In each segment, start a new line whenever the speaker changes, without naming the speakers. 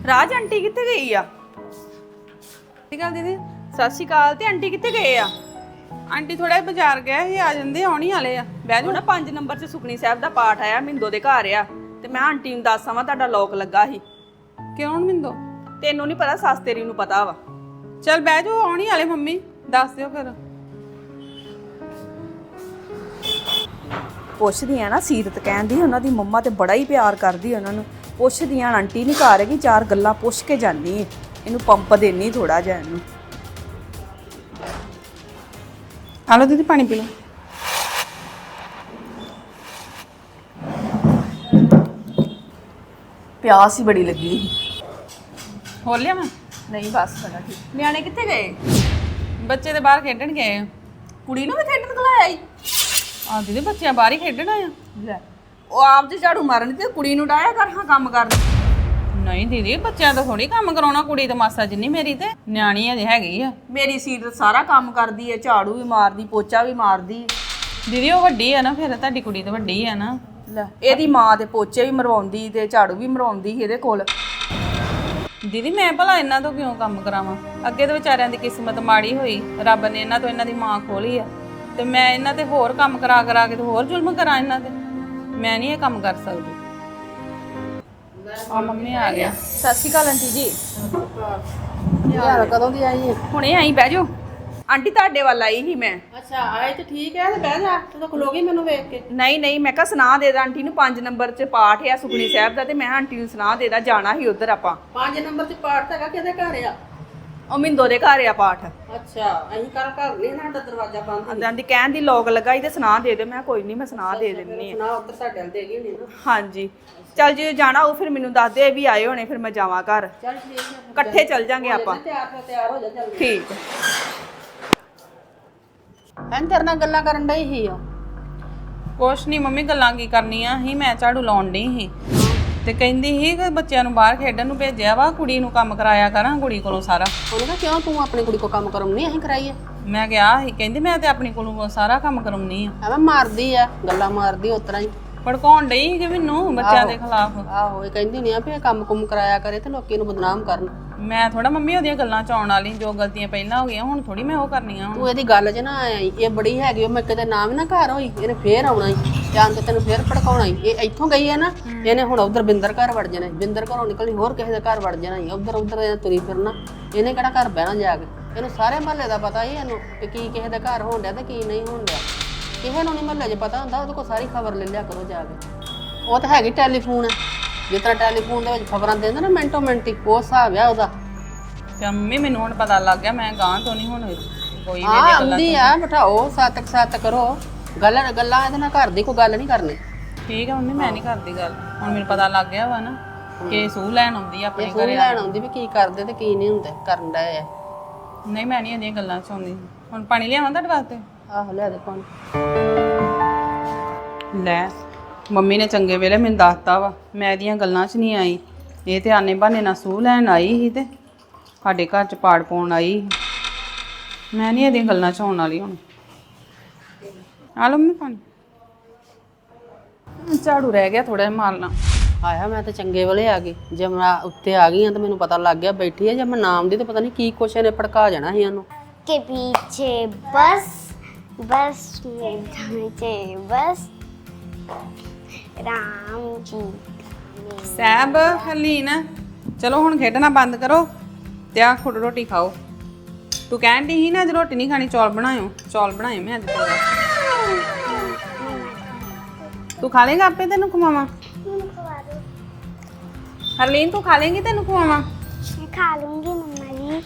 ਰਾਜ aunty ਕਿੱਥੇ ਗਈ ਆ?
ਠੀਕ ਆ ਦੀਦੀ।
ਸਤਿ ਸ਼੍ਰੀ ਅਕਾਲ। ਤੇ ਆਂਟੀ ਕਿੱਥੇ ਗਏ ਆ?
ਆਂਟੀ ਥੋੜਾ ਬਾਜ਼ਾਰ ਗਿਆ ਸੀ, ਆ ਜਾਂਦੇ ਆਉਣੀ ਵਾਲੇ ਆ। ਬਹਿ
ਉਹ
ਜਾ।
ਨਾ 5 ਨੰਬਰ 'ਚ ਸੁਖਣੀ ਸਾਹਿਬ ਦਾ ਪਾਠ ਆਇਆ, ਮਿੰਦੋ ਦੇ ਘਰ ਆ। ਤੇ ਮੈਂ ਆਂਟੀ ਨੂੰ ਦੱਸ ਆਵਾਂ ਤੁਹਾਡਾ ਲੋਕ ਲੱਗਾ ਸੀ।
ਕਿਉਂ ਮਿੰਦੋ?
ਤੈਨੂੰ ਨਹੀਂ ਪਤਾ, ਸੱਸ ਤੇਰੀ ਨੂੰ ਪਤਾ ਵਾ।
ਚੱਲ ਬਹਿ ਜਾ, ਆਉਣੀ ਵਾਲੇ ਮੰਮੀ, ਦੱਸ ਦਿਓ ਫਿਰ।
ਪੁੱਛਦੀ ਆ ਨਾ, ਸੀਰਤ ਕਹਿੰਦੀ ਉਹਨਾਂ ਦੀ ਮੰਮਾ ਤੇ ਬੜਾ ਹੀ ਪਿਆਰ ਕਰਦੀ ਉਹਨਾਂ ਨੂੰ। ਪੁੱਛਦੀ ਆ ਆਂਟੀ ਨਹੀਂ ਘਰ ਹੈਗੀ, 4 ਗੱਲਾਂ ਪੁੱਛ ਕੇ ਜਾਨੀ। ਇਹਨੂੰ ਪੰਪ ਦੇਣੀ ਥੋੜਾ ਜਿਹਾ ਇਹਨੂੰ।
ਆ ਲਓ ਦੀਦੀ, ਪਾਣੀ ਪੀ ਲਓ।
ਪਿਆਸ ਹੀ ਬੜੀ ਲੱਗੀ।
ਹੋਰ ਲਿਆ ਮੈਂ?
ਨਹੀਂ ਬਸ ਸਾਡਾ ਠੀਕ। ਨਿਆਣੇ ਕਿੱਥੇ ਗਏ?
ਬੱਚੇ ਤੇ ਬਾਹਰ ਖੇਡਣ ਗਏ ਆ।
ਕੁੜੀ ਨੂੰ ਵੀ ਖੇਡਣ ਘਲਾਇਆ ਈ?
ਆ ਦੀਦੀ, ਬੱਚਿਆਂ ਬਾਹਰ ਹੀ ਖੇਡਣ ਆਇਆ।
ਲੈ, ਉਹ ਆਪ ਜੇ ਝਾੜੂ ਮਾਰਨ ਤੇ ਕੁੜੀ ਨੂੰ ਡਾਇਆ ਕਰ ਹਾਂ ਕੰਮ ਕਰਨ।
ਨਹੀਂ ਦੀਦੀ, ਬੱਚਿਆਂ ਤੋਂ ਥੋੜੀ ਕੰਮ ਕਰਾਉਣਾ। ਕੁੜੀ ਤਾਂ ਮਾਸਾ ਜਿੰਨੀ ਮੇਰੀ ਤੇ ਨਿਆਣੀ ਅਜੇ ਹੈਗੀ ਆ।
ਮੇਰੀ ਸੀਰਤ ਸਾਰਾ ਕੰਮ ਕਰਦੀ ਹੈ, ਝਾੜੂ ਵੀ ਮਾਰਦੀ, ਪੋਚਾ ਵੀ ਮਾਰਦੀ।
ਦੀਦੀ ਉਹ ਵੱਡੀ ਆ ਨਾ, ਫਿਰ ਤੁਹਾਡੀ ਕੁੜੀ ਤਾਂ ਵੱਡੀ ਆ ਨਾ।
ਲੈ, ਇਹਦੀ ਮਾਂ ਦੇ ਪੋਚੇ ਵੀ ਮਰਵਾਉਂਦੀ ਤੇ ਝਾੜੂ ਵੀ ਮਰਵਾਉਂਦੀ ਸੀ ਇਹਦੇ ਕੋਲ।
ਦੀਦੀ ਮੈਂ ਭਲਾ ਇਹਨਾਂ ਤੋਂ ਕਿਉਂ ਕੰਮ ਕਰਾਵਾਂ? ਅੱਗੇ ਤੇ ਵਿਚਾਰਿਆਂ ਦੀ ਕਿਸਮਤ ਮਾੜੀ ਹੋਈ, ਰੱਬ ਨੇ ਇਹਨਾਂ ਤੋਂ ਇਹਨਾਂ ਦੀ ਮਾਂ ਖੋਲੀ ਆ, ਤੇ ਮੈਂ ਇਹਨਾਂ ਤੇ ਹੋਰ ਕੰਮ ਕਰਾ ਕੇ ਤੇ ਹੋਰ ਜ਼ੁਲਮ ਕਰਾਂ ਇਹਨਾਂ ਤੇ? ਮੈਂ ਨਹੀਂ ਇਹ ਕੰਮ ਕਰ ਸਕਦੀ। ਆ ਮੰਮੀ ਆ ਗਿਆ।
ਸਤਿ ਸ਼੍ਰੀ ਅਕਾਲ ਆਂਟੀ ਜੀ।
ਯਾਰ ਕਦੋਂ ਦੀ ਆਈ ਹੈ?
ਹੁਣੇ ਆਈ, ਬਹਿ ਜਾਓ। ਆਂਟੀ ਤੁਹਾਡੇ ਵੱਲ ਆਈ ਸੀ ਮੈਂ।
ਅੱਛਾ, ਆਏ ਤੇ ਠੀਕ ਹੈ, ਤੇ ਬਹਿ ਜਾ। ਤੂੰ ਤਾਂ ਖਲੋਗੀ ਮੈਨੂੰ ਵੇਖ ਕੇ।
ਨਹੀਂ ਮੈਂ ਕਿਹਾ ਸੁਣਾ ਦੇ ਦਾਂ ਆਂਟੀ ਨੂੰ। 5 ਨੰਬਰ 'ਚ ਪਾਠ ਆ ਸੁਖਣੀ ਸਾਹਿਬ ਦਾ, ਤੇ ਮੈਂ ਆਂਟੀ ਨੂੰ ਸੁਣਾ ਦੇ ਦਾਂ, ਜਾਣਾ ਸੀ ਉਧਰ ਆਪਾਂ।
5 ਨੰਬਰ ਤੇ ਪਾਠ ਹੈਗਾ, ਕਿਹਦੇ ਘਰ ਆ?
ਉਹ ਮਿੰਦੋ ਦੇ ਘਰ ਆ ਪਾਠ।
ਅੱਛਾ, ਅਸੀਂ ਘਰ ਨਹੀਂ, ਸਾਡਾ ਦਰਵਾਜ਼ਾ ਬੰਦ।
ਆਂਟੀ ਕਹਿਣ ਦੀ ਲੋਕ ਲੱਗਾ ਸੀ ਤੇ ਸੁਣਾ ਦੇ ਦਿਓ। ਮੈਂ ਕੋਈ ਨਹੀਂ, ਮੈਂ ਸੁਣਾ ਦੇ ਦਿੰਨੀ ਆ।
ਸੁਣਾ, ਉੱਧਰ ਸਾਡੇ ਵੱਲ ਦੇਗੀ ਨਹੀਂ ਨਾ।
ਹਾਂਜੀ, ਚੱਲ ਜੇ ਜਾਣਾ ਉਹ ਫਿਰ ਮੈਨੂੰ ਦੱਸ ਦੇ, ਇਹ ਵੀ ਆਏ ਹੋਣੇ, ਫਿਰ ਮੈਂ ਜਾਵਾਂ ਘਰ।
ਚੱਲ ਠੀਕ ਹੈ,
ਇਕੱਠੇ ਚੱਲ ਜਾਂਗੇ ਆਪਾਂ।
ਤਿਆਰ ਹੋ ਜਾ ਚੱਲ।
ਠੀਕ।
ਐਂ ਤੇਰੇ ਨਾਲ ਗੱਲਾਂ ਕਰਨ ਡਈ ਸੀ ਉਹ।
ਕੁਛ ਨਹੀਂ ਮੰਮੀ, ਗੱਲਾਂ ਕੀ ਕਰਨੀਆਂ ਸੀ, ਮੈਂ ਝਾੜੂ ਲਾਉਣ ਡਈ ਸੀ ਤੇ ਕਹਿੰਦੀ ਸੀ ਕਿ ਬੱਚਿਆਂ ਨੂੰ ਬਾਹਰ ਖੇਡਣ ਨੂੰ ਭੇਜਿਆ ਵਾ, ਕੁੜੀ ਨੂੰ ਕੰਮ ਕਰਾਇਆ ਕਰਾਂ ਕੁੜੀ ਕੋਲੋਂ ਸਾਰਾ।
ਉਹਨੇ ਕਿਹਾ ਕਿਉਂ ਤੂੰ ਆਪਣੀ ਕੁੜੀ ਕੋ ਕੰਮ ਕਰਾਉਣੀ? ਅਸੀਂ ਕਰਾਈਏ।
ਮੈਂ ਕਿਹਾ ਸੀ, ਕਹਿੰਦੀ ਮੈਂ ਤੇ ਆਪਣੀ ਕੋਲੋਂ ਸਾਰਾ ਕੰਮ ਕਰਾਉਣੀ ਆ।
ਐਵੇਂ ਮਾਰਦੀ ਆ, ਗੱਲਾਂ ਮਾਰਦੀ ਉਸ ਤਰ੍ਹਾਂ ਹੀ।
ਭੜਕਾਉਣ ਡਈ ਸੀ ਕਿ ਮੈਨੂੰ ਬੱਚਿਆਂ ਦੇ ਖਿਲਾਫ।
ਆਹੋ, ਇਹ ਕਹਿੰਦੀ ਨਹੀਂ ਆ ਵੀ ਇਹ ਕੰਮ ਕੁਮ ਕਰਾਇਆ ਕਰੇ ਤੇ ਲੋਕੀ ਨੂੰ ਬਦਨਾਮ ਕਰਨ।
ਮੈਂ ਥੋੜਾ ਮੰਮੀ ਉਹਦੀਆਂ ਗੱਲਾਂ ਚ ਆਉਣ ਵਾਲੀ, ਜੋ ਗਲਤੀਆਂ ਪਹਿਲਾਂ ਹੋ ਗਈਆਂ ਹੁਣ ਥੋੜੀ ਮੈਂ ਉਹ ਕਰਨੀਆਂ ਹੁਣ।
ਤੂੰ ਇਹਦੀ ਗੱਲ 'ਚ ਨਾ ਆਈ, ਇਹ ਬੜੀ ਹੈਗੀ, ਉਹ ਮੈਂ ਕਿਤੇ ਨਾਮ ਨਾ ਘਰ ਹੋਈ, ਇਹਨੇ ਫੇਰ ਆਉਣਾ ਹੀ ਜਾਂ ਤੇ ਤੈਨੂੰ ਫੇਰ ਭੜਕਾਉਣਾ ਹੀ। ਇਹ ਇੱਥੋਂ ਗਈ ਹੈ ਨਾ, ਇਹਨੇ ਹੁਣ ਉਧਰ ਬਿੰਦਰ ਘਰ ਵੜ ਜਾਣਾ, ਬਿੰਦਰ ਘਰੋਂ ਨਿਕਲਣੀ ਹੋਰ ਕਿਸੇ ਦੇ ਘਰ ਵੜ ਜਾਣਾ ਹੀ, ਉਧਰ ਤੁਰੀ ਫਿਰਨਾ। ਇਹਨੇ ਕਿਹੜਾ ਘਰ ਬਹਿਣਾ ਜਾ ਕੇ? ਇਹਨੂੰ ਸਾਰੇ ਮਹੱਲੇ ਦਾ ਪਤਾ ਹੀ ਇਹਨੂੰ ਕਿ ਕੀ ਕਿਸੇ ਦੇ ਘਰ ਹੋਣ ਡਿਆ ਤੇ ਕੀ ਨਹੀਂ ਹੋਣ ਡਿਆ। ਕਿਸੇ ਨੂੰ ਨਹੀਂ ਮਹੱਲੇ 'ਚ ਪਤਾ ਹੁੰਦਾ, ਉਹਦੇ ਕੋਲ ਸਾਰੀ ਖਬਰ ਲੈ ਲਿਆ ਕਰੋ ਜਾ ਕੇ। ਉਹ ਤਾਂ ਹੈਗੀ ਟੈਲੀਫੋਨ, ਜਿਸ ਤਰ੍ਹਾਂ ਟੈਲੀਫੋਨ ਦੇ ਵਿੱਚ ਖਬਰਾਂ ਦਿੰਦੇ ਨਾ ਮਿੰਟੋ ਮਿੰਟ ਹੀ, ਉਹ ਹਿਸਾਬ ਆ ਉਹਦਾ।
ਤੇ ਮੰਮੀ ਮੈਨੂੰ ਹੁਣ ਪਤਾ ਲੱਗ ਗਿਆ, ਮੈਂ ਗਾਂ ਤੋਂ ਨਹੀਂ ਹੁਣ ਕੋਈ ਵੀ
ਹਾਂ ਆਉਂਦੀ ਆ, ਬਿਠਾਓ, ਸੱਤ ਕਰੋ ਗੱਲਾਂ ਇਹਦੇ ਨਾਲ ਘਰ ਦੀ ਕੋਈ ਗੱਲ ਨਹੀਂ ਕਰਨੀ।
ਠੀਕ ਆ ਮੰਮੀ, ਮੈਂ ਨਹੀਂ ਕਰਦੀ ਗੱਲ। ਹੁਣ ਮੈਨੂੰ ਪਤਾ ਲੱਗ ਗਿਆ ਵਾ ਨਾ ਕਿ ਸੂਹ ਲੈਣ ਆਉਂਦੀ ਆ ਆਪਣੇ ਘਰੇ।
ਲੈਣ ਆਉਂਦੀ ਵੀ ਕੀ ਕਰਦੇ ਤੇ ਕੀ ਨਹੀਂ ਹੁੰਦੇ ਕਰਨ ਡਏ ਆ।
ਨਹੀਂ ਮੈਂ ਨਹੀਂ ਇਹਦੀਆਂ ਗੱਲਾਂ ਚ ਆਉਂਦੀ। ਹੁਣ ਪਾਣੀ ਲਿਆਵਾਂ ਤੁਹਾਡੇ ਵਾਸਤੇ?
ਆਹੋ ਲਿਆ ਦੇ ਪਾਣੀ।
ਲੈ ਮੰਮੀ ਨੇ ਚੰਗੇ ਵੇਲੇ ਮੈਨੂੰ ਦੱਸਤਾ ਵਾ, ਮੈਂ ਇਹਦੀਆਂ ਗੱਲਾਂ 'ਚ ਨਹੀਂ ਆਈ। ਇਹ ਤੇ ਆਨੇ ਬਹਾਨੇ ਨਾਲ ਸੂਹ ਲੈਣ ਆਈ ਸੀ ਤੇ ਸਾਡੇ ਘਰ 'ਚ ਪਾੜ ਪਾਉਣ ਆਈ ਸੀ। ਮੈਂ ਨਹੀਂ ਇਹਦੀਆਂ ਗੱਲਾਂ 'ਚ ਆਉਣ ਵਾਲੀ ਹੁਣ। ਆ ਲਓ ਮੰਮੀ ਪਾਣੀ। ਝਾੜੂ ਰਹਿ ਗਿਆ ਥੋੜਾ ਜਿਹਾ ਮਾਰਨਾ।
ਆਇਆ ਮੈਂ ਤਾਂ ਚੰਗੇ ਵੇਲੇ ਆ ਗਈ। ਜੇ ਮੈਂ ਉੱਤੇ ਆ ਗਈ ਆ ਤਾਂ ਮੈਨੂੰ ਪਤਾ ਲੱਗ ਗਿਆ ਬੈਠੀ ਆ। ਜੇ ਮੈਂ ਨਾਮ ਦੀ ਤਾਂ ਪਤਾ ਨਹੀਂ ਕੀ ਕੁਛ ਇਹਨੇ ਭੜਕਾ ਜਾਣਾ ਸੀ ਇਹਨੂੰ।
के पीछे बस बस में ढांचे बस राम जी
ਸਹਿਬ ਹਰਲੀਨ, ਚਲੋ ਹੁਣ ਖੇਡਣਾ ਬੰਦ ਕਰੋ ਤੇ ਆ ਖੁਦ ਰੋਟੀ ਖਾਓ। ਤੂੰ ਕਹਿਣ ਦੀ ਸੀ ਨਾ ਅੱਜ ਰੋਟੀ ਨਹੀਂ ਖਾਣੀ, ਚੌਲ ਬਣਾਇਓ। ਚੌਲ ਬਣਾਏ ਮੈਂ ਅੱਜ ਤੇਰੇ ਵਾਸਤੇ। ਤੂੰ ਖਾ ਲੇਗਾ ਆਪੇ, ਤੈਨੂੰ ਖਵਾਵਾਂ? ਹਰਲੀਨ ਤੂੰ ਖਾ ਲੇਗੀ, ਤੈਨੂੰ ਖਵਾਵਾਂ?
खा लूंगी मम्मा जी।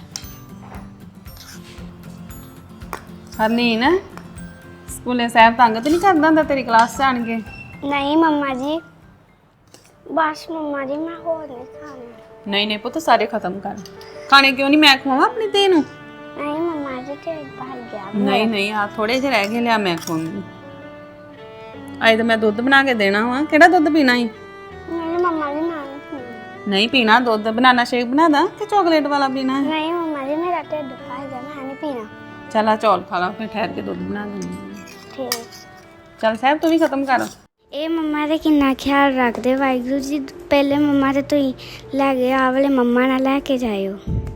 ਹਰਲੀਨ ਸਕੂਲੇ ਸਾਹਿਬ ਤੰਗ ਤੇ ਨਹੀਂ ਕਰਦਾ ਹੁੰਦਾ ਤੇਰੀ ਕਲਾਸ 'ਚ ਆਣ ਕੇ?
नहीं मम्मा जी, बस मम्मा जी मैं और नहीं खाना।
ਨਹੀਂ ਪੁੱਤ, ਸਾਰੇ ਖਤਮ ਕਰ। ਖਾਣੇ ਕਿਉਂ ਨਹੀਂ? ਮੈਂ ਖਵਾਵਾਂ ਆਪਣੀ ਧੀ ਨੂੰ?
नहीं मम्मा जी ढिड भर गया।
ਨਹੀਂ ਆ ਥੋੜੇ ਜਿਹੇ ਰਹਿ ਗਏ, ਲਿਆ ਮੈਂ ਖਵਾਉਂਗੀ। ਅੱਜ ਤਾਂ ਮੈਂ ਦੁੱਧ ਬਣਾ ਕੇ ਦੇਣਾ ਵਾ। ਕਿਹੜਾ ਦੁੱਧ ਪੀਣਾ ਈ?
नहीं मम्मा जी मैं नहीं खाना।
ਨਹੀਂ ਪੀਣਾ ਦੁੱਧ। ਬਨਾਨਾ ਸ਼ੇਕ ਬਣਾ ਦਾਂ ਕਿ ਚਾਕਲੇਟ ਵਾਲਾ ਪੀਣਾ ਹੈ?
नहीं मम्मा जी मेरा ढिड भर गया, मैं नहीं पीना।
ਚੱਲ ਆ ਚੌਲ ਖਾ ਲਾ, ਫਿਰ ਠਹਿਰ ਕੇ ਦੁੱਧ ਬਣਾ ਦਿੰਦੀ ਹਾਂ।
ठीक।
ਚੱਲ ਸਾਹਿਬ ਤੂੰ ਵੀ ਖਤਮ ਕਰ।
ਇਹ ਮੰਮਾ ਦਾ ਕਿੰਨਾ ਖਿਆਲ ਰੱਖਦੇ ਵਾਹਿਗੁਰੂ ਜੀ। ਪਹਿਲੇ ਮੰਮਾ ਤੇ ਤੁਸੀਂ ਲੈ ਗਏ, ਆ ਵਾਲੇ ਮੰਮਾ ਨਾਲ ਲੈ ਕੇ ਜਾਇਓ।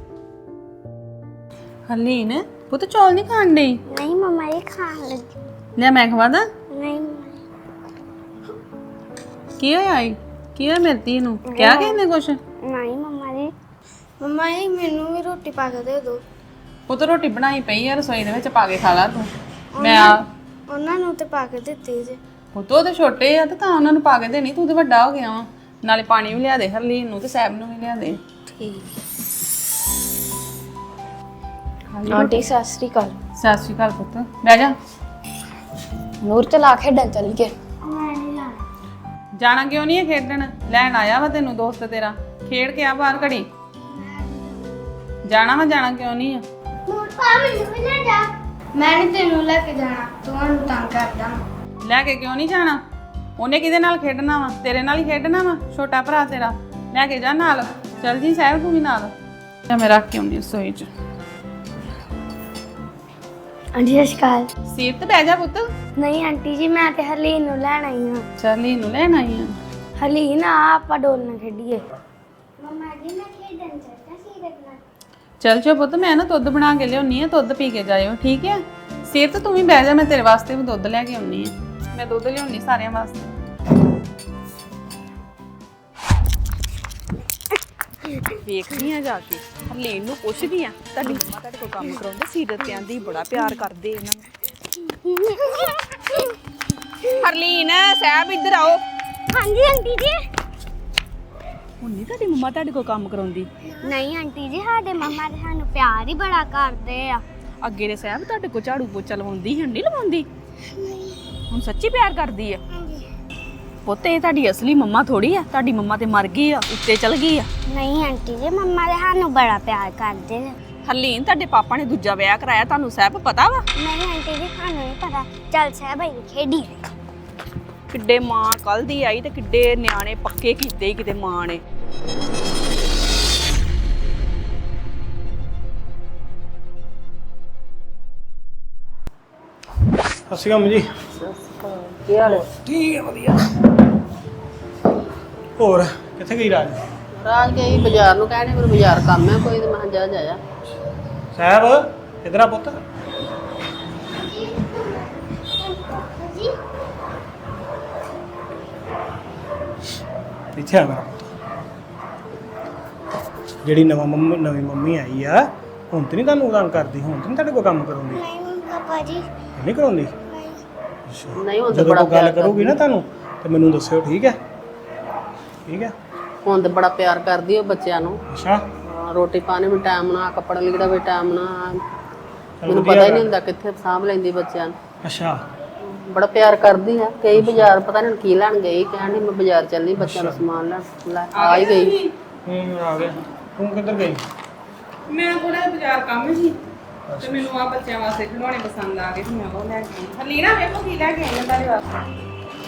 ਹਰਲੀਨ ਪੁੱਤ ਚੌਲ ਨਹੀਂ ਖਾਣ ਡਈ?
ਨਹੀਂ ਮੰਮਾ ਇਹ ਖਾਣ ਲੱਗੀ।
ਲੈ ਮੈਂ ਖਵਾਦਾ।
ਨਹੀਂ
ਕੀ ਹੋਇਆ ਈ? ਕੀ ਹੋਇਆ ਮੇਰੀ ਧੀ ਨੂੰ? ਕਿਹਾ ਕਿਸੇ ਨੇ ਕੁਛ?
ਨਹੀਂ ਮੰਮਾ ਜੀ। ਮੰਮਾ ਜੀ ਮੈਨੂੰ ਵੀ ਰੋਟੀ ਪਾ ਕੇ ਦੇ ਦਿਓ।
ਪੁੱਤ ਰੋਟੀ ਬਣਾਈ ਪਈ ਆ ਰਸੋਈ ਦੇ ਵਿੱਚ, ਪਾ ਕੇ ਖਾ ਲਾ ਤੂੰ।
ਉਹਨਾਂ ਨੂੰ ਤੇ ਪਾ ਕੇ ਦਿੱਤੀ ਜੇ।
ਪੁੱਤ ਉਹ ਤੇ ਛੋਟੇ ਆ ਤੇ ਤਾਂ ਉਹਨਾਂ ਨੂੰ ਪਾ ਕੇ ਦੇਣੀ, ਤੂੰ ਤੇ ਵੱਡਾ ਹੋ ਗਿਆ ਵਾ। ਨਾਲੇ ਪਾਣੀ ਵੀ ਲਿਆ ਦੇ ਹਰਲੀਨ ਨੂੰ ਤੇ ਸੈਬ ਨੂੰ ਵੀ ਲਿਆ ਦੇ।
ਠੀਕ।
ਆਂਟੀ ਸਤਿ ਸ੍ਰੀ ਅਕਾਲ।
ਸਤਿ ਸ਼੍ਰੀ ਅਕਾਲ ਪੁੱਤ, ਬਹਿ ਜਾ।
ਨੂਰ ਚਲਾ ਖੇਡਣ ਚੱਲ ਗਏ।
ਮੈਂ ਨਹੀਂ ਲਾਣਾ।
ਜਾਣਾ ਕਿਉਂ ਨਹੀਂ ਹੈ ਖੇਡਣ? ਲੈਣ ਆਇਆ ਵਾ ਤੈਨੂੰ ਦੋਸਤ ਤੇਰਾ, ਖੇਡ ਕੇ ਆ ਬਾਹਰ ਘੜੀ। ਜਾਣਾ ਵਾ, ਜਾਣਾ ਕਿਉਂ ਨਹੀਂ ਆ?
ਨੂਰ ਪਾ ਮੈਨੂੰ ਵੀ ਲੈ ਜਾ। ਮੈਂ ਨਹੀਂ ਤੈਨੂੰ ਲੈ ਕੇ ਜਾਣਾ, ਤੁਹਾਨੂੰ ਤੰਗ ਕਰਦਾ।
ਲੈ ਕੇ ਕਿਉਂ ਨਹੀਂ ਜਾਣਾ? ਉਹਨੇ ਕਿਹਦੇ ਨਾਲ ਖੇਡਣਾ ਵਾ? ਤੇਰੇ ਨਾਲ ਹੀ ਖੇਡਣਾ ਵਾ, ਛੋਟਾ ਭਰਾ ਤੇਰਾ। ਲੈ ਕੇ ਜਾ ਨਾਲ। ਚੱਲ ਜੀ ਸਾਹਿਬ ਤੂੰ ਵੀ ਨਾਲ। ਜਾਂ ਮੈਂ ਰੱਖ ਕੇ ਆਉਂਦੀ ਰਸੋਈ 'ਚ।
ਆਂਟੀ ਸਤਿ ਸ਼੍ਰੀ ਅਕਾਲ।
ਸੀਟ ਤੇ ਬਹਿ ਜਾ ਪੁੱਤ।
ਨਹੀਂ ਆਂਟੀ ਜੀ ਮੈਂ ਤੇ ਹਰਲੀਨ ਨੂੰ ਲੈਣ ਆਈ ਹਾਂ।
ਚੱਲ ਇਹਨੂੰ ਲੈਣ ਆਈ ਆ।
ਹਰਲੀਨ ਆ ਆਪਾਂ ਡੋਲ ਨਾ ਖੇਡੀਏ। ਮੰਮਾ ਜੀ ਮੈਂ ਖੇਡਣ ਚੱਲਦਾ ਸੀ ਨਾਲ।
ਚੱਲ ਜੋ ਪੁੱਤ, ਮੈਂ ਨਾ ਦੁੱਧ ਬਣਾ ਕੇ ਲਿਆਉਣੀ ਆ, ਦੁੱਧ ਪੀ ਕੇ ਜਾਇਓ, ਠੀਕ ਹੈ? ਸੀਟ ਤੂੰ ਵੀ ਬਹਿ ਜਾ, ਮੈਂ ਤੇਰੇ ਵਾਸਤੇ ਵੀ ਦੁੱਧ ਲੈ ਕੇ ਆਉਣੀ ਆ। ਮੈਂ ਦੁੱਧ ਲਿਆਉਣੀ ਸਾਰਿਆਂ ਵਾਸਤੇ।
ਵੇਖਦੀ ਆ ਜਾ ਕੇ, ਹਰਲੀਨ ਨੂੰ ਪੁੱਛਦੀ ਆ ਤੁਹਾਡੀ ਮੰਮਾ ਤੁਹਾਡੇ ਕੋਲ ਕੰਮ ਕਰਾਉਂਦੇ, ਸੀਰਤ ਤੇ ਆਂਦੀ ਬੜਾ ਪਿਆਰ ਕਰਦੇ ਇਹਨਾਂ ਨੂੰ। ਹਰਲੀਨ ਸਾਹਿਬ ਇੱਧਰ ਆਓ।
ਹਾਂਜੀ ਆਂਟੀ ਜੀ।
ਹੁਣ ਨਹੀਂ ਤੁਹਾਡੀ ਮੰਮਾ ਤੁਹਾਡੇ ਕੋਲ ਕੰਮ ਕਰਾਉਂਦੀ?
ਨਹੀਂ ਆਂਟੀ ਜੀ ਸਾਡੇ ਮੰਮਾ ਤੇ ਸਾਨੂੰ ਪਿਆਰ ਹੀ ਬੜਾ ਕਰਦੇ ਆ।
ਅੱਗੇ ਦੇ ਸਾਹਿਬ ਤੁਹਾਡੇ ਕੋਲ ਝਾੜੂ ਪੋਚਾ ਲਵਾਉਂਦੀ, ਹੁਣ ਨਹੀਂ ਲਵਾਉਂਦੀ? ਹੁਣ ਸੱਚੀ ਪਿਆਰ ਕਰਦੀ ਆ? ਪੁੱਤ ਇਹ ਤੁਹਾਡੀ ਅਸਲੀ ਮੰਮਾ ਥੋੜੀ ਆ, ਤੁਹਾਡੀ ਮੰਮਾ ਤੇ ਮਰ ਗਈ ਆ, ਉੱਤੇ ਚਲ ਗਈ ਆ।
ਨਹੀਂ ਆਂਟੀ ਜੀ ਮੰਮਾ ਤੇ ਸਾਨੂੰ ਬੜਾ ਪਿਆਰ ਕਰਦੇ ਆ।
ਹਰਲੀਨ ਤੁਹਾਡੇ ਪਾਪਾ ਨੇ ਦੂਜਾ ਵਿਆਹ ਕਰਾਇਆ, ਤੁਹਾਨੂੰ ਸਾਹਿਬ ਪਤਾ ਵਾ?
ਨਹੀਂ ਆਂਟੀ ਜੀ ਸਾਨੂੰ ਨਹੀਂ ਪਤਾ। ਚੱਲ ਸਾਹਿਬ ਭਾਈ ਖੇਡੀਏ।
ਕਿੱਡੇ ਮਾਂ ਕੱਲ ਦੀ ਆਈ ਤੇ ਕਿੱਡੇ ਨਿਆਣੇ ਪੱਕੇ ਕੀਤੇ ਕਿਤੇ ਮਾਂ ਨੇ।
ਸਤਿ ਸ਼੍ਰੀ ਅਕਾਲ ਜੀ।
ਕੀ ਹਾਲ ਹੈ?
ਠੀਕ ਹੈ ਵਧੀਆ। ਹੋਰ ਕਿੱਥੇ ਗਈ ਰਾਜ?
ਰਾਜ ਗਈ ਬਾਜ਼ਾਰ ਨੂੰ, ਕਹਿੰਦੇ ਮੈਨੂੰ ਬਾਜ਼ਾਰ ਕੰਮ ਹੈ ਕੋਈ, ਤੇ ਮੈਂ ਕਿਹਾ ਜਾ ਜਾਇਆ।
ਸਾਹਿਬ ਇਧਰ ਆ ਪੁੱਤ। ਇੱਥੇ ਆ ਮੇਰਾ ਪੁੱਤ। ਜਿਹੜੀ ਨਵੀਂ ਮੰਮੀ ਆਈ ਆ, ਹੁਣ ਤੇ ਨਹੀਂ ਤੁਹਾਨੂੰ ਤੰਗ ਕਰਦੀ? ਹੁਣ ਤੇ ਨਹੀਂ ਤੁਹਾਡੇ ਕੋਲ ਕੰਮ ਕਰਾਉਂਦੀ?
ਨਹੀਂ ਪਾਪਾ ਜੀ।
ਨਹੀਂ ਕਰਾਉਂਦੀ?
ਨਹੀਂ।
ਅੱਛਾ।
ਨਹੀਂ ਹੁਣ ਤੇ
ਜਦੋਂ
ਬੜਾ
ਕੋਈ ਗੱਲ
ਪਿਆਰ
ਕਰੂਗੀ ਨਾ ਤੁਹਾਨੂੰ ਤੇ ਮੈਨੂੰ ਦੱਸਿਓ, ਠੀਕ ਹੈ? ਠੀਕ ਹੈ।
ਹੁਣ ਤੇ ਬੜਾ ਪਿਆਰ ਕਰਦੀ ਉਹ ਬੱਚਿਆਂ ਨੂੰ।
ਅੱਛਾ।
ਹਾਂ, ਰੋਟੀ ਪਾਣੀ ਵੀ ਟਾਈਮ ਨਾਲ, ਕੱਪੜਾ ਲੀੜਾ ਵੀ ਟਾਈਮ ਨਾਲ।
ਚੱਲ
ਮੈਨੂੰ
ਵਧੀਆ
ਪਤਾ ਹੀ
ਗੱਲ।
ਨਹੀਂ ਹੁੰਦਾ ਕਿੱਥੇ ਸਾਂਭ ਲੈਂਦੀ ਬੱਚਿਆਂ ਨੂੰ।
ਅੱਛਾ।
ਬੜਾ ਪਿਆਰ ਕਰਦੀ ਆ। ਕਈ ਬਾਜ਼ਾਰ ਪਤਾ ਨਹੀਂ ਕੀ ਲੈਣ ਗਈ, ਕਹਿੰਦੀ ਮੈਂ ਬਾਜ਼ਾਰ ਚੱਲਣੀ ਬੱਚਿਆਂ ਨੂੰ ਸਮਾਨ ਲੈਣ। ਲੈ ਆ ਹੀ ਗਈ।
ਆ ਗਿਆ। ਤੂੰ ਕਿੱਧਰ ਗਈ?
ਮੈਂ ਥੋੜਾ ਬਾਜ਼ਾਰ ਕੰਮ ਸੀ ਤੇ ਮੈਨੂੰ ਆ ਬੱਚਿਆਂ ਵਾਸਤੇ ਖਿਡੌਣੇ ਪਸੰਦ ਆ ਗਏ ਤੇ ਮੈਂ ਉਹ ਲੈ ਕੇ ਆਈ। ਹਰਲੀਨਾ ਵੇਖੋ ਕੀ ਲੈ ਕੇ ਆਈ ਤੁਹਾਡੇ ਵਾਸਤੇ।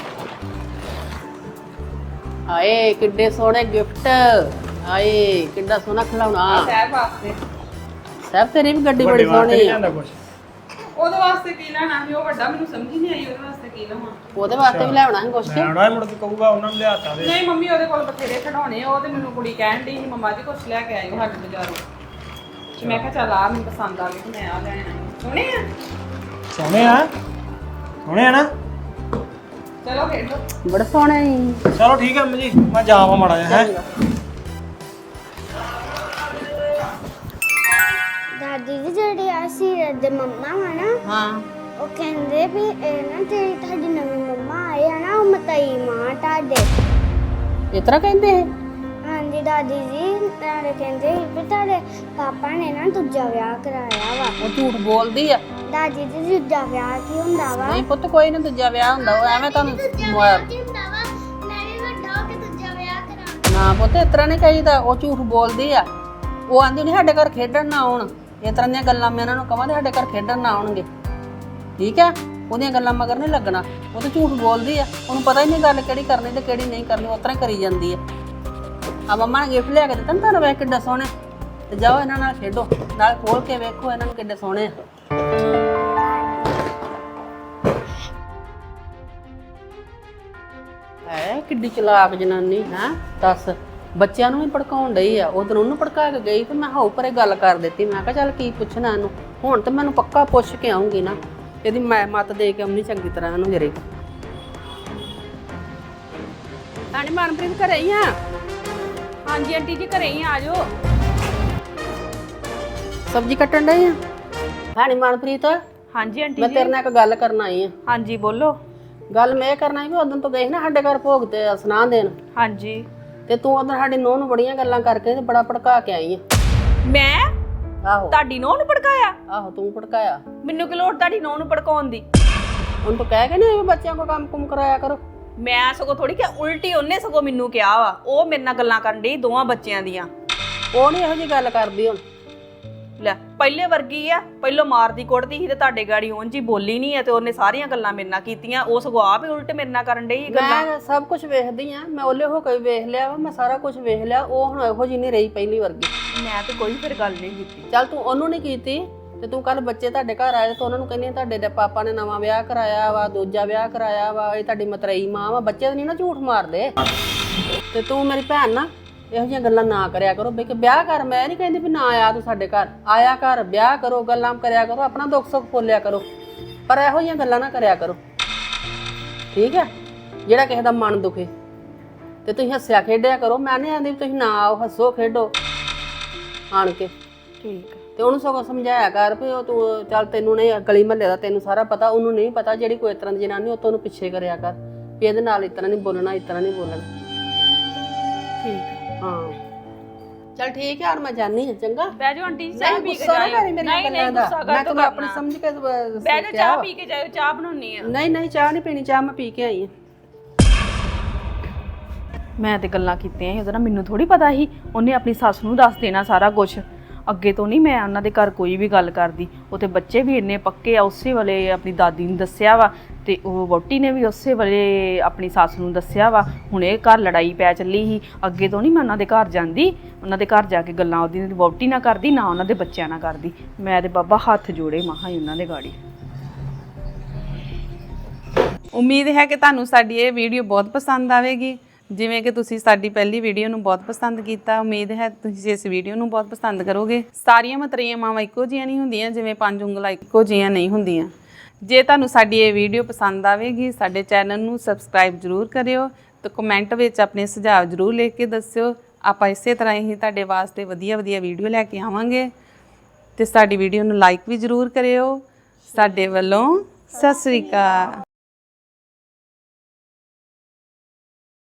ਹਾਏ ਕਿੱਡੇ ਸੋਹਣੇ ਗਿਫਟ। ਹਾਏ ਕਿੱਡਾ ਸੋਹਣਾ ਖਿਡੌਣਾ।
ਸਾਹਿਬ ਵਾਸਤੇ।
ਸਾਹਿਬ ਤੇਰੀ ਵੀ ਗੱਡੀ ਬੜੀ
ਵੱਡੇ ਵਾਸਤੇ
ਸੋਹਣੀ
ਨਹੀਂ
ਆ।
ਜਾਂਦਾ ਕੁਛ?
ਉਹਦੇ ਵਾਸਤੇ ਕੀ ਲੈਣਾ ਸੀ? ਉਹ ਵੱਡਾ ਮੈਨੂੰ ਸਮਝ ਹੀ ਨਹੀਂ ਆਈ ਉਹਦੇ ਵਾਸਤੇ ਕੀ ਲਵਾਂ।
ਉਹਦੇ ਵਾਸਤੇ ਵੀ ਲੈਣਾ ਸੀ ਕੁਛ।
ਲੈਣਾ ਹੈ, ਮੁੜ ਕੇ ਕਹੂਗਾ ਉਹਨਾਂ ਨੂੰ ਲਿਆਤਾ ਦੇ।
ਨਹੀਂ ਮੰਮੀ ਉਹਦੇ ਕੋਲ ਬਥੇਰੇ ਖਿਡੌਣੇ ਆ, ਉਹ ਤੇ ਮੈਨੂੰ ਕੁੜੀ ਕਹਿਣ ਡਈ ਸੀ ਮੰਮਾ ਜੀ ਕੁਛ ਲੈ ਕੇ ਆਇਓ ਸਾਡੇ ਬਾਜ਼ਾਰੋਂ। ਤੇ ਮੈਂ ਕਿਹਾ ਚੱਲ ਆ ਮੈਨੂੰ ਪਸੰਦ ਆ ਗਈ ਤੇ ਮੈਂ ਆ ਲੈਣ ਆਈ। ਸੋਹਣੇ ਆ?
ਸੋਹਣੇ ਆ? ਸੋਹਣੇ ਆ ਨਾ?
ਚਲੋ ਖੇਡੋ।
ਬੜੇ ਸੋਹਣੇ ਸੀ।
ਚਲੋ ਠੀਕ ਹੈ ਅੰਮੀ ਜੀ, ਮੈਂ ਜਾਵਾਂ ਮਾੜਾ ਜਿਹਾ ਹੈ।
ਦਾਦੀ ਜੀ ਜਿਹੜੇ ਆ ਸੀਰਤ ਦੇ ਮੰਮਾ ਵਾ ਨਾ,
ਹਾਂ
ਉਹ ਕਹਿੰਦੇ ਵੀ ਇਹ ਨਾ ਜਿਹੜੀ ਤੁਹਾਡੀ ਨਵੀਂ ਮੰਮਾ ਆਈ ਆ ਨਾ, ਉਹ ਮਤਈ ਮਾਂ ਤੁਹਾਡੇ।
ਇਸ ਤਰ੍ਹਾਂ ਕਹਿੰਦੇ ਇਹ?
ਹਾਂਜੀ ਦਾਦੀ ਜੀ ਨਾਲੇ ਕਹਿੰਦੇ ਸੀ ਵੀ ਤੁਹਾਡੇ ਪਾਪਾ ਨੇ ਨਾ ਦੂਜਾ ਵਿਆਹ ਕਰਾਇਆ ਵਾ।
ਉਹ ਝੂਠ ਬੋਲਦੀ ਆ।
ਦਾਦੀ ਜੀ ਦੂਜਾ ਵਿਆਹ ਕੀ ਹੁੰਦਾ ਵਾ?
ਨਹੀਂ ਪੁੱਤ ਕੋਈ ਨਾ ਦੂਜਾ ਵਿਆਹ ਹੁੰਦਾ, ਉਹ ਐਵੇਂ ਤੁਹਾਨੂੰ
ਹੁੰਦਾ ਵਾ, ਮੈਂ ਵੀ ਵੱਡਾ ਹੋ ਕੇ ਦੂਜਾ ਵਿਆਹ ਕਰਾਉਣਾ।
ਨਾ ਪੁੱਤ ਇਸ ਤਰ੍ਹਾਂ ਨਹੀਂ ਕਹੀਦਾ। ਉਹ ਝੂਠ ਬੋਲਦੀ ਆ। ਉਹ ਆਂਦੀ ਨਹੀਂ ਸਾਡੇ ਘਰ ਖੇਡਣ ਨਾ ਆਉਣ। ਇਸ ਤਰ੍ਹਾਂ ਦੀਆਂ ਗੱਲਾਂ ਮੈਂ ਇਹਨਾਂ ਨੂੰ ਕਹਾਂ ਤੇ ਸਾਡੇ ਘਰ ਖੇਡਣ ਨਾ ਆਉਣਗੇ, ਠੀਕ ਹੈ? ਉਹਦੀਆਂ ਗੱਲਾਂ ਮਗਰ ਨਹੀਂ ਲੱਗਣਾ। ਉਹ ਤਾਂ ਝੂਠ ਬੋਲਦੀ ਆ, ਉਹਨੂੰ ਪਤਾ ਹੀ ਨਹੀਂ ਗੱਲ ਕਿਹੜੀ ਕਰਨੀ ਤੇ ਕਿਹੜੀ ਨਹੀਂ ਕਰਨੀ, ਉਸ ਤਰ੍ਹਾਂ ਹੀ ਕਰੀ ਜਾਂਦੀ ਆ। ਆ ਮੰਮਾ ਨੇ ਗਿਫਟ ਲਿਆ ਕੇ ਦਿੱਤਾ ਨਾ ਤੁਹਾਨੂੰ, ਵੇਖ ਕਿੱਡਾ ਸੋਹਣੇ। ਤੇ ਜਾਓ ਇਹਨਾਂ ਨਾਲ ਖੇਡੋ, ਨਾਲ ਖੋਲ ਕੇ ਵੇਖੋ ਇਹਨਾਂ ਨੂੰ ਕਿੱਡੇ ਸੋਹਣੇ ਆ। ਕਿੱਡੀ ਚਲਾਕ ਜਨਾਨੀ ਹੈ। ਦੱਸ ਬੱਚਿਆਂ ਨੂੰ ਵੀ ਭੜਕਾਉਣ ਡਈ ਆ। ਉਧਰ ਉਹਨੂੰ ਭੜਕਾ ਕੇ ਗਈ ਤੇ ਮੈਂ ਹਾਉ ਪਰੇ ਗੱਲ ਕਰ ਦਿੱਤੀ। ਮੈਂ ਕਿਹਾ ਚੱਲ ਕੀ ਪੁੱਛਣਾ ਇਹਨੂੰ, ਹੁਣ ਤੇ ਮੈਨੂੰ ਪੱਕਾ ਪੁੱਛ ਕੇ ਆਉਂਗੀ ਨਾ, ਇਹਦੀ ਮੈਂ ਮੱਤ ਦੇ ਕੇ ਆਉਣੀ ਚੰਗੀ ਤਰ੍ਹਾਂ ਇਹਨੂੰ ਜਰੇ। ਤਾਣੀ ਮਨਪ੍ਰੀਤ ਘਰੇ ਹੀ ਆ?
ਹਾਂਜੀ ਆਂਟੀ ਜੀ ਘਰੇ ਹੀ ਆ ਜਾਓ।
ਸਬਜ਼ੀ ਕੱਟਣ ਡਈ ਆ? ਹਾਣੀ ਮਨਪ੍ਰੀਤ,
ਹਾਂਜੀ ਆਂਟੀ
ਮੈਂ
ਜੀ।
ਤੇਰੇ ਨਾਲ ਇੱਕ ਗੱਲ ਕਰਨ ਆਈ ਆ।
ਹਾਂਜੀ ਬੋਲੋ।
ਗੱਲ ਮੈਂ ਇਹ ਕਰਨਾ ਸੀ ਵੀ ਉਦੋਂ ਤੋਂ ਗਈ ਨਾ ਸਾਡੇ ਘਰ ਭੋਗ ਤੇ ਸੁਨਾਹ ਦੇਣ,
ਹਾਂਜੀ
ਤੇ ਤੂੰ ਉਧਰ ਸਾਡੀ ਨੂੰਹ ਨੂੰ ਬੜੀਆਂ ਗੱਲਾਂ ਕਰਕੇ ਤੇ ਬੜਾ ਭੜਕਾ ਕੇ ਆਈ ਆ।
ਮੈਂ
ਆਹੋ
ਤੁਹਾਡੀ ਨੂੰਹ ਨੂੰ ਭੜਕਾਇਆ?
ਆਹੋ ਤੂੰ ਭੜਕਾਇਆ।
ਮੈਨੂੰ ਕਿ ਲੋੜ ਤੁਹਾਡੀ ਨੂੰਹ ਨੂੰ ਭੜਕਾਉਣ ਦੀ?
ਉਹਨੂੰ ਤਾਂ ਕਹਿ ਕੇ ਨਹੀਂ ਬੱਚਿਆਂ ਕੋ ਕੰਮ ਕੁਮ ਕਰਾਇਆ ਕਰੋ।
ਮੈਂ ਸਗੋਂ ਥੋੜੀ ਕਿ ਉਲਟੀ ਉਹਨੇ ਸਗੋਂ ਮੈਨੂੰ ਕਿਹਾ ਵਾ। ਉਹ ਮੇਰੇ ਨਾਲ ਗੱਲਾਂ ਕਰਨ ਡਈ ਦੋਵਾਂ ਬੱਚਿਆਂ ਦੀਆਂ।
ਉਹ ਨਹੀਂ ਇਹੋ ਜਿਹੀ ਗੱਲ ਕਰਦੀ ਹੁਣ।
ਲੈ ਪਹਿਲੇ ਵਰਗੀ ਆ, ਪਹਿਲੋਂ ਮਾਰਦੀ ਕੁੱਟਦੀ ਸੀ ਤੇ ਤੁਹਾਡੇ ਗਾੜੀ ਉਂਝ ਹੀ ਬੋਲੀ ਨਹੀਂ ਆ ਤੇ ਉਹਨੇ ਸਾਰੀਆਂ ਗੱਲਾਂ ਮੇਰੇ ਨਾਲ ਕੀਤੀਆਂ। ਉਹ ਸਗੋਂ ਆਪ ਹੀ ਉਲਟ ਮੇਰੇ ਨਾਲ ਕਰਨ ਡਈ ਗੱਲਾਂ।
ਮੈਂ ਸਭ ਕੁਝ ਵੇਖਦੀ ਆ, ਮੈਂ ਉਹਲੇ ਹੋ ਕੇ ਵੇਖ ਲਿਆ ਵਾ, ਮੈਂ ਸਾਰਾ ਕੁਝ ਵੇਖ ਲਿਆ। ਉਹ ਹੁਣ ਇਹੋ ਜਿਹੀ ਨਹੀਂ ਰਹੀ ਪਹਿਲੀ ਵਰਗੀ।
ਮੈਂ ਤੇ ਕੋਈ ਫਿਰ ਗੱਲ ਨਹੀਂ ਕੀਤੀ।
ਚੱਲ ਤੂੰ ਉਹਨੂੰ ਨਹੀਂ ਕੀਤੀ ਤੇ ਤੂੰ ਕੱਲ ਬੱਚੇ ਤੁਹਾਡੇ ਘਰ ਆਏ ਤੇ ਉਹਨਾਂ ਨੂੰ ਕਹਿੰਦੀ ਤੁਹਾਡੇ ਦੇ ਪਾਪਾ ਨੇ ਨਵਾਂ ਵਿਆਹ ਕਰਾਇਆ ਵਾ, ਦੂਜਾ ਵਿਆਹ ਕਰਾਇਆ ਵਾ, ਇਹ ਤੁਹਾਡੀ ਮਤਰੇਈ ਮਾਂ ਵਾ। ਬੱਚੇ ਤਾਂ ਨਹੀਂ ਨਾ ਝੂਠ ਮਾਰਦੇ। ਤੇ ਤੂੰ ਮੇਰੀ ਭੈਣ ਨਾ ਇਹੋ ਜਿਹੀਆਂ ਗੱਲਾਂ ਨਾ ਕਰਿਆ ਕਰੋ। ਬਈ ਕਿ ਵਿਆਹ ਕਰ, ਮੈਂ ਨਹੀਂ ਕਹਿੰਦੀ ਵੀ ਨਾ ਆਇਆ ਤੂੰ ਸਾਡੇ ਘਰ, ਆਇਆ ਕਰ, ਵਿਆਹ ਕਰੋ, ਗੱਲਾਂ ਕਰਿਆ ਕਰੋ, ਆਪਣਾ ਦੁੱਖ ਸੁੱਖ ਬੋਲਿਆ ਕਰੋ, ਪਰ ਇਹੋ ਜਿਹੀਆਂ ਗੱਲਾਂ ਨਾ ਕਰਿਆ ਕਰੋ, ਠੀਕ ਹੈ? ਜਿਹੜਾ ਕਿਸੇ ਦਾ ਮਨ ਦੁਖੇ ਤੇ ਤੁਸੀਂ ਹੱਸਿਆ ਖੇਡਿਆ ਕਰੋ। ਮੈਂ ਨਹੀਂ ਆਂਦੀ ਵੀ ਤੁਸੀਂ ਨਾ ਆਓ, ਹੱਸੋ ਖੇਡੋ ਆਣ ਕੇ,
ਠੀਕ ਹੈ।
ਤੇ ਉਹਨੂੰ ਸਗੋਂ ਸਮਝਾਇਆ ਕਰ ਵੀ ਉਹ ਤੂੰ ਚੱਲ ਤੈਨੂੰ ਨਹੀਂ ਗਲੀ ਮਹੱਲੇ ਦਾ ਤੈਨੂੰ ਸਾਰਾ ਪਤਾ, ਉਹਨੂੰ ਨਹੀਂ ਪਤਾ। ਜਿਹੜੀ ਕੋਈ ਇਸ ਤਰ੍ਹਾਂ ਦੀ ਜਨਾਨੀ ਉਹ ਤੋਂ ਉਹਨੂੰ ਪਿੱਛੇ ਕਰਿਆ ਕਰ ਵੀ ਇਹਦੇ ਨਾਲ ਇਸ ਤਰ੍ਹਾਂ ਨਹੀਂ ਬੋਲਣਾ, ਇਸ ਤਰ੍ਹਾਂ ਨਹੀਂ ਬੋਲਣਾ,
ਠੀਕ ਹੈ।
ਹਾਂ ਚੱਲ ਠੀਕ ਹੈ। ਹੁਣ ਮੈਂ ਜਾਣੀ ਹਾਂ, ਚੰਗਾ?
ਬਹਿ ਜਾਓ ਆਂਟੀ ਜੀ, ਚਾਹ
ਨਹੀਂ
ਪੀ ਕੇ
ਗੁੱਸਾ ਨਾ
ਜਾਇਓ।
ਕਰੀ ਮੇਰੀਆਂ ਗੱਲਾਂ ਦਾ, ਮੈਂ ਤੈਨੂੰ ਆਪਣੀ ਸਮਝ ਕੇ
ਬਹਿ ਜਾਓ, ਚਾਹ ਪੀ ਕੇ ਜਾਇਓ, ਚਾਹ ਬਣਾਉਣੀ ਆ।
ਨਹੀਂ ਨਹੀਂ ਚਾਹ ਨਹੀਂ ਪੀਣੀ, ਚਾਹ ਮੈਂ ਪੀ ਕੇ ਆਈ ਹਾਂ।
ਮੈਂ ਤੇ ਗੱਲਾਂ ਕੀਤੀਆਂ ਸੀ ਉਹਦੇ ਨਾਲ, ਮੈਨੂੰ ਥੋੜੀ ਪਤਾ ਸੀ ਉਹਨੇ ਆਪਣੀ ਸੱਸ ਨੂੰ ਦੱਸ ਦੇਣਾ ਸਾਰਾ ਕੁਝ। ਅੱਗੇ ਤੋਂ ਨਹੀਂ ਮੈਂ ਉਹਨਾਂ ਦੇ ਘਰ ਕੋਈ ਵੀ ਗੱਲ ਕਰਦੀ। ਉਹ ਤੇ ਬੱਚੇ ਵੀ ਇੰਨੇ ਪੱਕੇ ਆ, ਉਸੇ ਵੇਲੇ ਆਪਣੀ ਦਾਦੀ ਨੂੰ ਦੱਸਿਆ ਵਾ ਤੇ ਉਹ ਵਹੁਟੀ ਨੇ ਵੀ ਉਸੇ ਵੇਲੇ ਆਪਣੀ ਸੱਸ ਨੂੰ ਦੱਸਿਆ ਵਾ। ਹੁਣ ਇਹ ਘਰ ਲੜਾਈ ਪੈ ਚੱਲੀ ਸੀ। ਅੱਗੇ ਤੋਂ ਨਹੀਂ ਮੈਂ ਉਹਨਾਂ ਦੇ ਘਰ ਜਾਂਦੀ, ਉਹਨਾਂ ਦੇ ਘਰ ਜਾ ਕੇ ਗੱਲਾਂ ਉਹਦੀ ਵਹੁਟੀ ਨਾਲ ਕਰਦੀ, ਨਾ ਉਹਨਾਂ ਦੇ ਬੱਚਿਆਂ ਨਾਲ ਕਰਦੀ। ਮੈਂ ਤੇ ਬਾਬਾ ਹੱਥ ਜੋੜੇ ਮਹਾਂ ਹੀ ਉਹਨਾਂ ਦੇ ਗਾੜੀ।
ਉਮੀਦ ਹੈ ਕਿ ਤੁਹਾਨੂੰ ਸਾਡੀ ਇਹ ਵੀਡੀਓ ਬਹੁਤ ਪਸੰਦ ਆਵੇਗੀ। ਜਿਵੇਂ ਕਿ ਤੁਸੀਂ ਸਾਡੀ ਪਹਿਲੀ ਵੀਡੀਓ ਨੂੰ ਬਹੁਤ ਪਸੰਦ ਕੀਤਾ, ਉਮੀਦ ਹੈ ਤੁਸੀਂ ਇਸ ਵੀਡੀਓ ਨੂੰ ਬਹੁਤ ਪਸੰਦ ਕਰੋਗੇ। ਸਾਰੀਆਂ ਮਤਰੇਈਆਂ ਮਾਵਾਂ ਇੱਕੋ ਜਿਹੀਆਂ ਨਹੀਂ ਹੁੰਦੀਆਂ, ਜਿਵੇਂ 5 ਉਂਗਲਾਂ ਇੱਕੋ ਜਿਹੀਆਂ ਨਹੀਂ ਹੁੰਦੀਆਂ। ਜੇ ਤੁਹਾਨੂੰ ਸਾਡੀ ਇਹ ਵੀਡੀਓ ਪਸੰਦ ਆਵੇਗੀ, ਸਾਡੇ ਚੈਨਲ ਨੂੰ ਸਬਸਕ੍ਰਾਈਬ ਜ਼ਰੂਰ ਕਰਿਓ ਤੇ ਕਮੈਂਟ ਵਿੱਚ ਆਪਣੇ ਸੁਝਾਅ ਜ਼ਰੂਰ ਲਿਖ ਕੇ ਦੱਸਿਓ। ਆਪਾਂ ਇਸੇ ਤਰ੍ਹਾਂ ਹੀ ਤੁਹਾਡੇ ਵਾਸਤੇ ਵਧੀਆ ਵੀਡੀਓ ਲੈ ਕੇ ਆਵਾਂਗੇ। ਤੇ ਸਾਡੀ ਵੀਡੀਓ ਨੂੰ ਲਾਈਕ ਵੀ ਜ਼ਰੂਰ ਕਰਿਓ। ਸਾਡੇ ਵੱਲੋਂ ਸਤਿ ਸ੍ਰੀ ਅਕਾਲ।